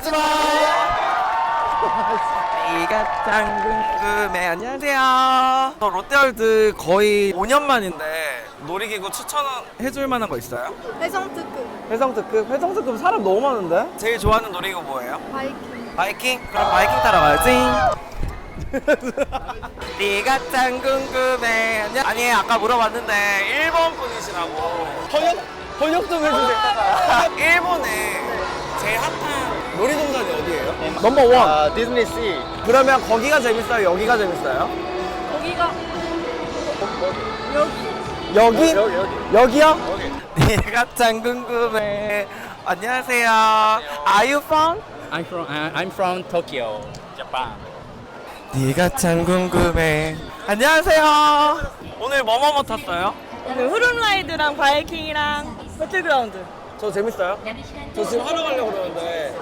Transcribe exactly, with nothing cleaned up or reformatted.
하지마. 네가 짱 궁금해. 안녕하세요. 저 롯데월드 거의 오 년 만인데 놀이기구 추천해줄 만한 거 있어요? 해성 특급 회성 특급? 회성 특급 사람 너무 많은데? 제일 좋아하는 놀이기구 뭐예요? 바이킹. 바이킹? 그럼 바이킹 타러 가야지. 네가 짱 궁금해. 안녕. 아니 아까 물어봤는데 일본 분이시라고. 번역 번역 좀 해주세요. 일본에 제일 핫한 놀이동산이 어디예요? 넘버 원. 아, 디즈니 씨. 그러면 거기가 재밌어요? 여기가 재밌어요? 거기가 여기. 여기? 여기, 여기. 여기요? 여기. 네가 짱 궁금해. 안녕하세요. Are you from? I'm from uh, I'm from Tokyo, Japan. 네가 참 궁금해. 안녕하세요. 오늘 뭐뭐뭐 탔어요? 오늘 후룸라이드랑 바이킹이랑 배틀그라운드. 저 재밌어요? 저 지금 하러 가려고 그러는데